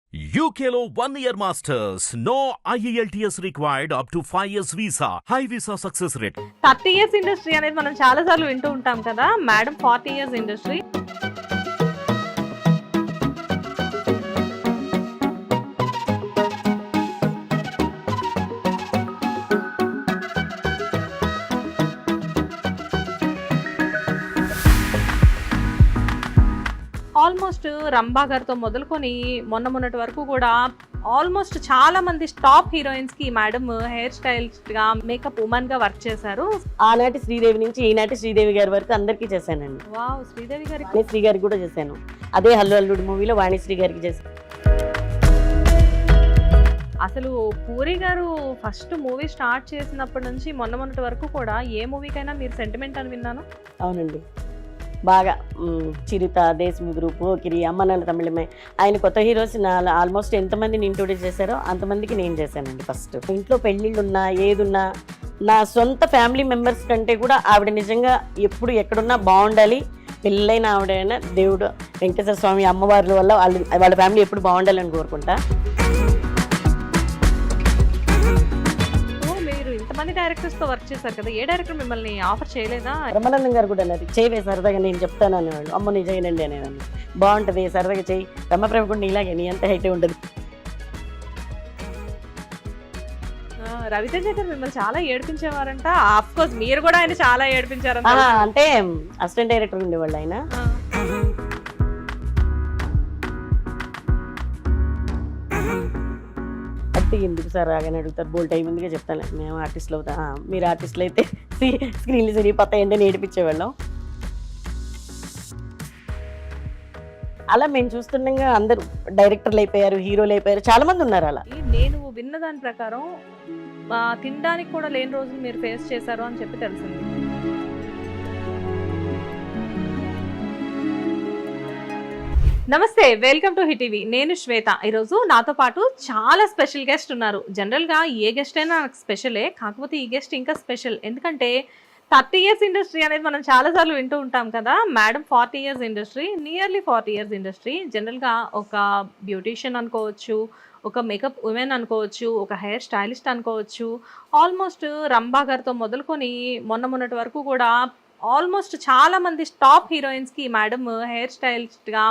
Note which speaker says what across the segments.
Speaker 1: UKLO 1 year masters. No IELTS required up to 5 years visa. High visa success rate.
Speaker 2: 30 years industry అనేది మనం చాలా సార్లు వింటూ ఉంటాం కదా madam. 40 years industry. Almost Rambha గారితో మొదలుకొని మొన్నటి వరకు కూడా ఆల్మోస్ట్ చాలా మంది టాప్ హీరోయిన్స్ కి మేడం హెయిర్ స్టైలిస్ట్ గా మేకప్ ఉమెన్ గా వర్క్ చేశారు.
Speaker 3: ఆనాటి శ్రీదేవి నుంచి ఈనాటి శ్రీదేవి గారి వరకు అందరికీ చేశానండి.
Speaker 2: వావ్, శ్రీదేవి గారి
Speaker 3: శ్రీ గారికి కూడా చేశాను. అదే హల్లు అల్లుడు మూవీలో వాణిశ్రీ గారికి చేశాను.
Speaker 2: అసలు పూరి గారు ఫస్ట్ మూవీ స్టార్ట్ చేసినప్పటి నుంచి మొన్నటి వరకు కూడా ఏ మూవీకైనా మీరు సెంటిమెంట్ అని విన్నాను.
Speaker 3: అవునండి, బాగా చిరుత, దేశముద్రు, పోకిరి, అమ్మ నాన్న తమిళమే. ఆయన కొత్త హీరోస్ ఆల్మోస్ట్ ఎంతమందిని ఇంట్రొడ్యూస్ చేశారో అంతమందికి నేను చేశానండి. ఫస్ట్ ఇంట్లో పెళ్ళిళ్ళు ఉన్నా ఏదున్నా నా సొంత ఫ్యామిలీ మెంబర్స్ కంటే కూడా ఆవిడ నిజంగా ఎప్పుడు ఎక్కడున్నా బాగుండాలి. పెళ్ళైన ఆవిడైనా దేవుడు వెంకటేశ్వర స్వామి అమ్మవారి వల్ల వాళ్ళ ఫ్యామిలీ ఎప్పుడు బాగుండాలని కోరుకుంటా.
Speaker 2: మంది డైరెక్టర్స్ తో వర్క్ చేశారు కదా, ఏ డైరెక్టర్ మిమ్మల్ని ఆఫర్ చేయలేదా?
Speaker 3: రమణానందం గారు కూడా అన్నది చేయవే సరదాగా, నేను చెప్తాను అనేవాళ్ళు. అమ్మ నీ చేయనండి అనేవాళ్ళు. బాగుంటుంది సరదాగా చేయి, రమ్మప్రభ కూడా ఇలాగే నీ అంత హైట్ ఉంటుంది.
Speaker 2: రవితేజ గారు మిమ్మల్ని చాలా ఏడిపించేవారంట. ఆఫ్ కోర్స్ మీరు కూడా ఆయన చాలా ఏడిపించారంట.
Speaker 3: అంటే అసిస్టెంట్ డైరెక్టర్ ఉండేవాళ్ళు ఆయన. ఎందుకు సార్ రాగానే అడుగుతారు, బోల్ టైం ఉందిగా చెప్తాను. మేము ఆర్టిస్టులు అవుతా, మీరు ఆర్టిస్టులు అయితే స్క్రీన్లు సరిపోతాయండి అని ఏడిపించేవాళ్ళం. అలా మేము చూస్తుండగా అందరూ డైరెక్టర్లు అయిపోయారు, హీరోలు అయిపోయారు, చాలా మంది ఉన్నారు. అలా
Speaker 2: నేను విన్న దాని ప్రకారం తినడానికి కూడా లేని రోజులు మీరు ఫేస్ చేశారు అని చెప్పి తెలిసింది. నమస్తే, వెల్కమ్ టు హిట్ టీవీ. నేను శ్వేత. ఈరోజు నాతో పాటు చాలా స్పెషల్ గెస్ట్ ఉన్నారు. జనరల్గా ఏ గెస్ట్ అయినా నాకు స్పెషలే, కాకపోతే ఈ గెస్ట్ ఇంకా స్పెషల్. ఎందుకంటే 30 ఇయర్స్ ఇండస్ట్రీ అనేది మనం చాలాసార్లు వింటూ ఉంటాం కదా madam. 40 years industry, nearly 40 years industry. జనరల్గా ఒక బ్యూటీషియన్ అనుకోవచ్చు, ఒక మేకప్ ఉమెన్ అనుకోవచ్చు, ఒక హెయిర్ స్టైలిస్ట్ అనుకోవచ్చు. ఆల్మోస్ట్ రంభా గారితో మొదలుకొని మొన్నటి వరకు కూడా ఆల్మోస్ట్ చాలా మంది టాప్ హీరోయిన్స్ కి మేడం హెయిర్ స్టైలిస్ట్ గా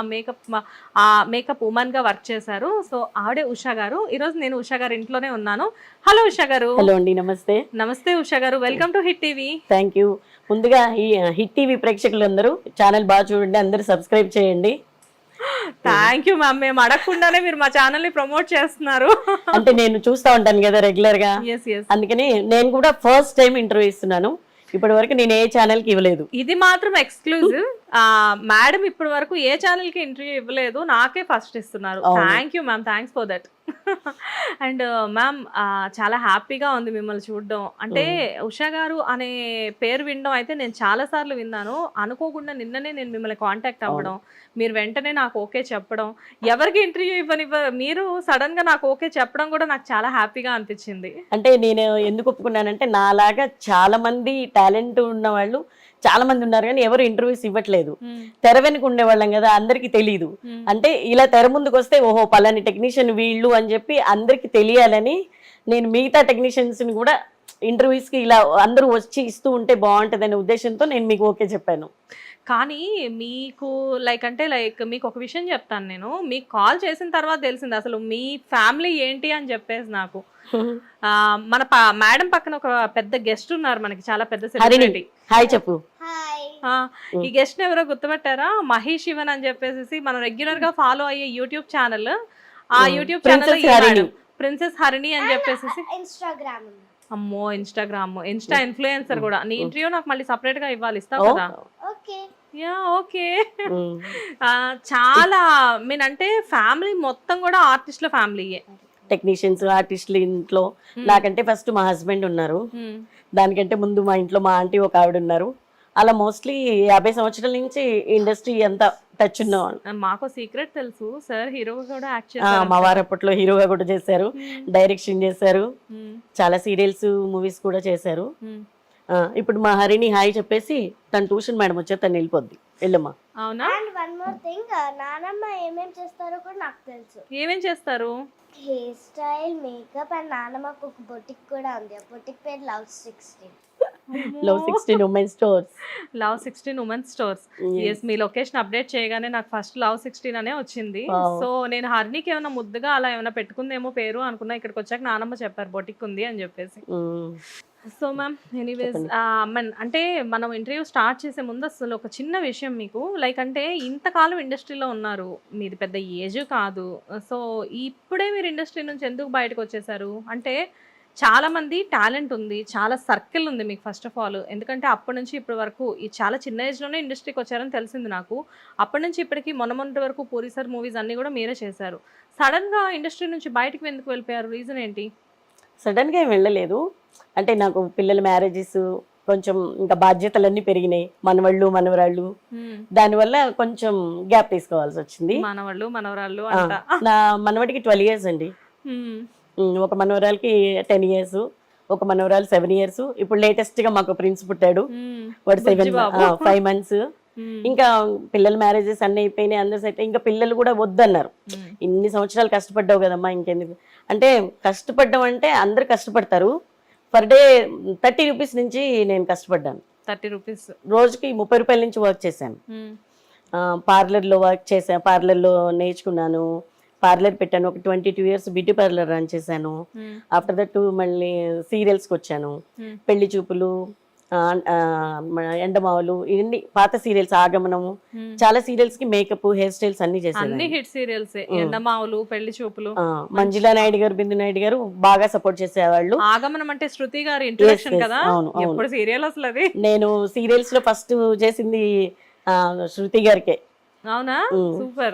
Speaker 2: మేకప్ ఉమెన్ గా వర్క్ చేశారు. సో ఆవిడే ఉషా గారు. ఈరోజు నేను ఉషా గారు ఇంట్లోనే ఉన్నాను. హలో ఉషా గారు.
Speaker 3: హలో అండి, నమస్తే.
Speaker 2: నమస్తే ఉషా గారు, welcome to Hit TV.
Speaker 3: Thank you. ముందుగా ఈ హిట్ టీవీ ప్రేక్షకులందరూ ఛానల్ బాగా చూడండి, అందరూ సబ్స్క్రైబ్ చేయండి.
Speaker 2: Thank you ma'am. మేము అడగకుండానే మీరు మా ఛానల్ ని ప్రమోట్ చేస్తున్నారు.
Speaker 3: అంటే నేను చూస్తా ఉంటాను కదా రెగ్యులర్ గా, అందుకని నేను కూడా ఫస్ట్ టైం ఇంటర్వ్యూ ఇస్తున్నాను. ఇప్పటి వరకు నేను ఏ ఛానల్ కి ఇవ్వలేదు.
Speaker 2: ఇది మాత్రం ఎక్స్క్లూజివ్. మేడం ఇప్పటి వరకు ఏ ఛానల్ కి ఇంటర్వ్యూ ఇవ్వలేదు, నాకే ఫస్ట్ ఇస్తున్నారు. Thank you ma'am, thanks for that. And ma'am, చాలా హ్యాపీగా ఉంది మిమ్మల్ని చూడడం. అంటే ఉషా గారు అనే పేరు వినడం అయితే నేను చాలా సార్లు విన్నాను. అనుకోకుండా నిన్ననే నేను మిమ్మల్ని కాంటాక్ట్ అవ్వడం, మీరు వెంటనే నాకు ఓకే చెప్పడం, ఎవరికి ఇంటర్వ్యూ మీరు సడన్ గా నాకు ఓకే చెప్పడం కూడా నాకు చాలా హ్యాపీగా అనిపించింది.
Speaker 3: అంటే నేను ఎందుకు ఒప్పుకున్నానంటే నాలాగా చాలా మంది టాలెంట్ ఉన్న వాళ్ళు చాలా మంది ఉన్నారు, కానీ ఎవరు ఇంటర్వ్యూస్ ఇవ్వట్లేదు. తెర వెనుక ఉండేవాళ్ళం కదా, అందరికి తెలియదు. అంటే ఇలా తెర ముందుకు వస్తే ఓహో పలాని టెక్నీషియన్ వీళ్ళు అని చెప్పి అందరికి తెలియాలని నేను మిగతా టెక్నీషియన్స్ ని కూడా ఇంటర్వ్యూస్ కి ఇలా అందరూ వచ్చి ఇస్తూ ఉంటే బాగుంటది అనే ఉద్దేశంతో నేను మీకు ఓకే చెప్పాను.
Speaker 2: కానీ మీకు మీకు ఒక విషయం చెప్తాను. నేను మీకు కాల్ చేసిన తర్వాత తెలిసింది అసలు మీ ఫ్యామిలీ ఏంటి అని చెప్పేసి. నాకు మన మేడం పక్కన ఒక పెద్ద గెస్ట్ ఉన్నారు, మనకి చాలా పెద్ద సెలబ్రిటీ.
Speaker 3: హాయ్ చెప్పు.
Speaker 2: ఈ గెస్ట్ ఎవరో గుర్తుపెట్టారా? మహేష్ శివన్ అని చెప్పేసి మనం రెగ్యులర్ గా ఫాలో అయ్యే యూట్యూబ్ ఛానల్. ఆ యూట్యూబ్ ఛానల్ ప్రిన్సెస్ హరిణి అని చెప్పేసి. అమ్మో, ఇన్స్టా ఇన్ఫ్లుయెన్సర్ కూడా. నీ ఇంటర్వ్యూ నాకు మళ్ళీ సపరేట్ గా ఇవ్వాలి, ఇస్తావు కదా? Ya okay. చాలా అంటే ఫ్యామిలీ మొత్తం కూడా ఆర్టిస్టుల ఫ్యామిలీయే.
Speaker 3: టెక్నీషియన్స్, ఆర్టిస్టులు ఇంట్లో. నాకంటే ఫస్ట్ మా హస్బెండ్ ఉన్నారు, దానికంటే ముందు మా ఇంట్లో మా ఆంటీ ఒక ఆవిడ ఉన్నారు. అలా మోస్ట్లీ 50 సంవత్సరాల నుంచి ఇండస్ట్రీ అంతా టచ్ ఉన్నవాళ్ళు.
Speaker 2: మాకు సీక్రెట్ తెలుసు, సార్ హీరోగా కూడా యాక్ట్ చేశారు.
Speaker 3: మా వారు అప్పట్లో హీరోగా కూడా చేశారు, డైరెక్షన్ చేశారు, చాలా సీరియల్స్ మూవీస్ కూడా చేశారు. ఇప్పుడు మా హరిని హాయ్ చెప్పేసి తన ట్యూషన్ మేడం వచ్చే తను వెళ్ళిపోద్ది. వెళ్ళమ్మా.
Speaker 2: అవునా?
Speaker 4: అండ్ వన్ మోర్ థింగ్, నానమ్మ ఏమేం చేస్తారో కూడా నాకు తెలుసు.
Speaker 2: ఏమేం చేస్తారు?
Speaker 4: హెయిర్ స్టైల్, మేకప్, అండ్ నానమ్మకు ఒక బొటిక్ కూడా ఉంది. ఆ బొటిక్ పేరు love 16.
Speaker 3: Love 16 women stores.
Speaker 2: Love 16 women's stores. Yes, మీ లొకేషన్ అప్డేట్ చేయగానే నాకు ఫస్ట్ లవ్ 16 అనే వచ్చింది.
Speaker 3: Wow.
Speaker 2: సో నేను హర్నికి ఏమైనా ముద్దుగా అలా ఏమైనా పెట్టుకుందేమో పేరు అనుకున్నా. ఇక్కడికి వచ్చాక నానమ్మ చెప్పారు బొటిక్ ఉంది అని చెప్పేసి. సో మ్యామ్, ఎనీవేస్ అంటే మనం ఇంటర్వ్యూ స్టార్ట్ చేసే ముందు అసలు ఒక చిన్న విషయం మీకు, లైక్ అంటే ఇంతకాలం ఇండస్ట్రీలో ఉన్నారు, మీది పెద్ద ఏజ్ కాదు, సో ఇప్పుడే మీరు ఇండస్ట్రీ నుంచి ఎందుకు బయటకు వచ్చేసారు? అంటే చాలా మంది టాలెంట్ ఉంది, చాలా సర్కిల్ ఉంది మీకు ఫస్ట్ ఆఫ్ ఆల్. ఎందుకంటే అప్పటి నుంచి ఇప్పటి వరకు ఈ చాలా చిన్న ఏజ్లోనే ఇండస్ట్రీకి వచ్చారని తెలిసింది నాకు. అప్పటి నుంచి ఇప్పటికి మొన్నటి వరకు పూరి సార్ మూవీస్ అన్నీ కూడా మీరే చేశారు. సడన్గా ఇండస్ట్రీ నుంచి బయటకు ఎందుకు వెళ్ళిపోయారు? రీజన్ ఏంటి?
Speaker 3: సడన్గా ఏం వెళ్ళలేదు. అంటే నాకు పిల్లల మ్యారేజెస్, కొంచెం ఇంకా బాధ్యతలన్నీ పెరిగినాయి, మనవాళ్ళు మనవరాళ్ళు, దానివల్ల కొంచెం గ్యాప్ తీసుకోవాల్సి వచ్చింది.
Speaker 2: మనవాళ్ళు మనవరాళ్ళు
Speaker 3: ఆ,
Speaker 2: అంట.
Speaker 3: నా మనవడికి 12 years అండి. ఒక మనవరాలకి 10 years, ఒక మనవరాలు 7 years. ఇప్పుడు లేటెస్ట్ గా మాకు ప్రిన్స్ పుట్టాడు, వాడు 5 months. ఇంకా పిల్లల మ్యారేజెస్ అన్ని అయిపోయినాయి, అందరు సెట్. ఇంకా పిల్లలు కూడా వద్దన్నారు. ఇన్ని సంవత్సరాలు కష్టపడ్డావు కదమ్మా, ఇంకెందుకు అంటే. కష్టపడ్డం అంటే అందరు కష్టపడతారు. పర్ డే 30 rupees నుంచి నేను కష్టపడ్డాను.
Speaker 2: 30 rupees
Speaker 3: రోజుకి 30 రూపాయల నుంచి వర్క్ చేశాను. పార్లర్లో వర్క్ చేశాను, పార్లర్లో నేర్చుకున్నాను, పార్లర్ పెట్టాను. ఒక 22 years బ్యూటీ పార్లర్ రన్ చేశాను. ఆఫ్టర్ దట్ మళ్ళీ సీరియల్స్కి వచ్చాను. పెళ్లి చూపులు, ఎండమావులు, ఇవన్నీ పాత సీరియల్స్, ఆగమనము, చాలా సీరియల్స్ కి మేకప్, హెయిర్ స్టైల్స్ అన్ని చేశాను.
Speaker 2: అన్ని హిట్ సీరియల్స్, ఎండమావులు, పెళ్లి చూపులు.
Speaker 3: మంజులా నాయుడు గారు, బిందు నాయుడు గారు బాగా సపోర్ట్ చేసేవాళ్ళు.
Speaker 2: ఆగమనం అంటే శృతి గారి ఇంట్రొడక్షన్
Speaker 3: Yes,
Speaker 2: కదా.
Speaker 3: అవును, అవును.
Speaker 2: ఎప్పుడు సీరియల్ అసలు అది?
Speaker 3: నేను సీరియల్స్ లో ఫస్ట్ చేసింది శృతి గారికే.
Speaker 2: అవునా? సూపర్.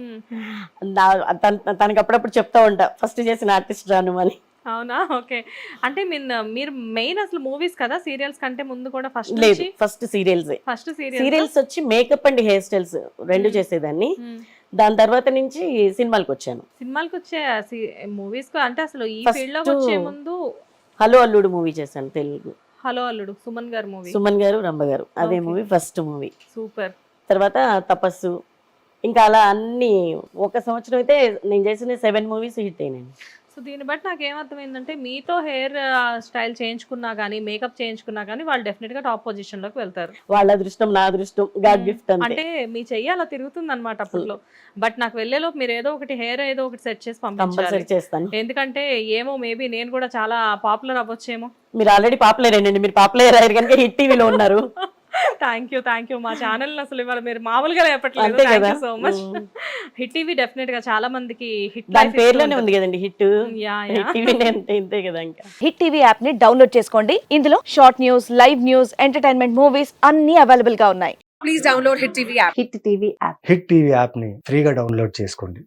Speaker 3: తనకి అప్పుడప్పుడు చెప్తా ఉంటా, ఫస్ట్ చేసిన ఆర్టిస్ట్ రాను అని.
Speaker 2: అవునా? ఓకే. అంటే మీరు మెయిన్ అసలు మూవీస్ కదా, సీరియల్స్ కంటే ముందు కూడా ఫస్ట్
Speaker 3: లేదు, ఫస్ట్ సీరియల్స్.
Speaker 2: ఫస్ట్
Speaker 3: సీరియల్స్ వచ్చి మేకప్ అండ్ హెయిర్ స్టైల్స్ రెండు చేసేదాన్ని. దాని తర్వాత నుంచి సినిమాలకు వచ్చాను.
Speaker 2: సినిమాలకు వచ్చే మూవీస్ అంటే అసలు ఈ
Speaker 3: First-
Speaker 2: ఫీల్డ్ లోకి వచ్చే ముందు
Speaker 3: హలో అల్లుడు మూవీ చేశాను, తెలుగు.
Speaker 2: హలో అల్లుడు, సుమన్ గారు మూవీ.
Speaker 3: సుమన్ గారు, రంభ గారు, అదే
Speaker 2: Okay.
Speaker 3: Movie first movie.
Speaker 2: Super.
Speaker 3: తర్వాత తపస్సు, ఇంకా అలా అన్ని. ఒక సంవత్సరం అయితే నేను చేసిన 7 movies హిట్ అయినాయి.
Speaker 2: సో దీన్ని బట్టి నాకు ఏమర్థమైందంటే, మీతో హెయిర్ స్టైల్ చేయించుకున్నా కానీ, మేకప్ చేయించుకున్నా కానీ వాళ్ళు డెఫినెట్ గా టాప్ పొజిషన్ లోకి వెళ్తారు.
Speaker 3: వాళ్ళ అదృష్టం, నా అదృష్టం, గాడ్ గిఫ్ట్ అంతే.
Speaker 2: అంటే మీ చెయ్యి అలా తిరుగుతుంది అనమాట అప్పట్లో. బట్ నాకు వెళ్ళేలోపు మీరు ఏదో ఒకటి హెయిర్ ఏదో ఒకటి సెట్ చేసి పంపించాలి.
Speaker 3: కంపల్సరీ చేస్తాను.
Speaker 2: ఎందుకంటే ఏమో మేబీ నేను కూడా చాలా పాపులర్ అవ్వచ్చేమో.
Speaker 3: మీరు ఆల్రెడీ పాపులర్ అయినండి, మీరు పాపులర్ అయ్యారు కనుక హిట్ టీవీలో ఉన్నారు.
Speaker 2: Thank you. మా ఛానల్ అసలు ఇవాళ మీరు మామూలుగా చెప్పట్లేదు.
Speaker 3: అంతే
Speaker 2: థ్యాంక్
Speaker 3: కదా.
Speaker 2: You so much. Hit TV definite గా చాలా మందికి హిట్
Speaker 3: దాని పేర్లోనే ఉంది కదండి హిట్.
Speaker 2: యా.
Speaker 3: హిట్ టీవీ అంటే ఇంతే కదా. ఇంకా
Speaker 5: హిట్ టీవీ యాప్ ని డౌన్లోడ్ చేసుకోండి. ఇందులో short news, live news, entertainment movies అన్ని అవైలబుల్ గా ఉన్నాయి.
Speaker 6: హిట్ టీవీ యాప్ని ఫ్రీగా డౌన్లోడ్ చేసుకోండి.